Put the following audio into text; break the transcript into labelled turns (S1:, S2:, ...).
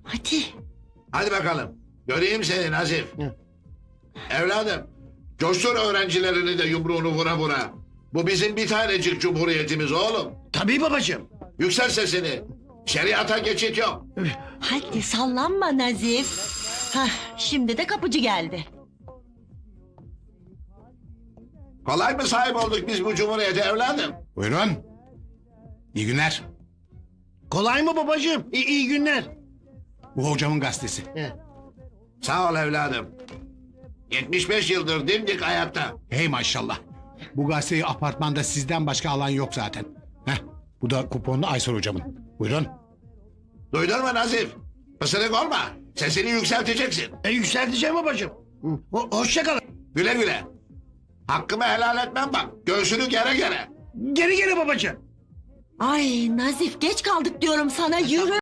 S1: Hadi.
S2: Hadi bakalım. Göreyim seni Nazif. Evladım, coştur öğrencilerini de yumruğunu vura vura. Bu bizim bir tanecik cumhuriyetimiz oğlum.
S3: Tabii babacığım.
S2: Yüksel sesini. Şeriata geçit yok.
S1: Hadi sallanma Nazif. Hah, şimdi de kapıcı geldi.
S2: Kolay mı sahip olduk biz bu cumhuriyete evladım?
S4: Buyurun. İyi günler.
S3: Kolay mı babacığım? İyi günler.
S4: Bu hocamın gazetesi.
S2: Sağ ol evladım. 75 yıldır dimdik ayakta.
S4: Hey maşallah. Bu gazeteyi apartmanda sizden başka alan yok zaten. Heh, bu da kuponlu Aysel hocamın. Buyurun.
S2: Duydun mu Nazif? Pısırık olma. Sesini yükselteceksin.
S3: Yükselteceğim babacığım. Hoşça kalın.
S2: Güle güle. Hakkımı helal etmem bak. Göğsünü gere gere.
S3: Geri babacığım.
S1: Ay Nazif geç kaldık diyorum sana, yürü.